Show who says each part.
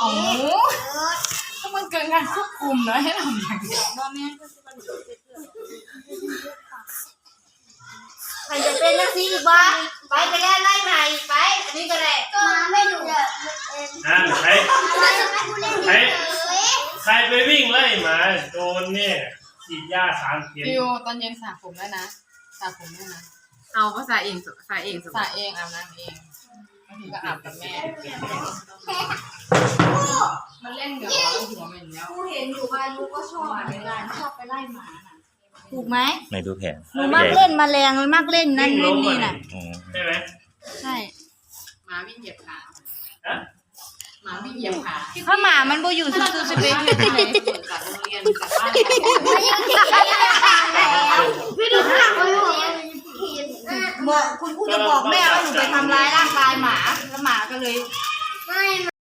Speaker 1: อ๋อถ้ามันเกินการควบคุมนะให้ทำอย่างเดียว
Speaker 2: ใครจะเป็นนักซีอีกบ้าไปได้ไล่ใหม่ไปอันนี้ก็ได้มาไม่ดู
Speaker 3: ใครไปวิ่งไล่หมาโดนเนี่ยฉีดยา3 เข็ม
Speaker 1: ฟิวตอนเย็นสระผมได้นะสระผมได้นะ
Speaker 4: เอาก็สระเอง
Speaker 1: สระเองอาบน้ำเองบางทีก็อาบกับแม่มันเล่นกับหัวมันแล้ว
Speaker 2: กูเห็นอยู่บ้านลูกก็ชอบไปไล่หมาน่ะถูกไหม
Speaker 5: ในดูแผน
Speaker 2: หนูมักเล่นแมลงมักเล่นนั่นเล่นนี่น่ะ
Speaker 3: ใช่ไหม
Speaker 2: ใช่
Speaker 1: หมาวิ่งเหยียบขา
Speaker 3: ฮะ
Speaker 1: หมาวิ่งเหยียบขา
Speaker 2: เพราะหมามันบ่อยู่ซื่อๆสิไปอยู่ที่ไหน
Speaker 1: จากโรงเรียนจากบ้าน
Speaker 2: พี่ดูข้างหลังเลยบอกคุณครูจะบอกแม่ว่าหนูไปทำร้ายร่างกายหมาแล้วหมาก็เลย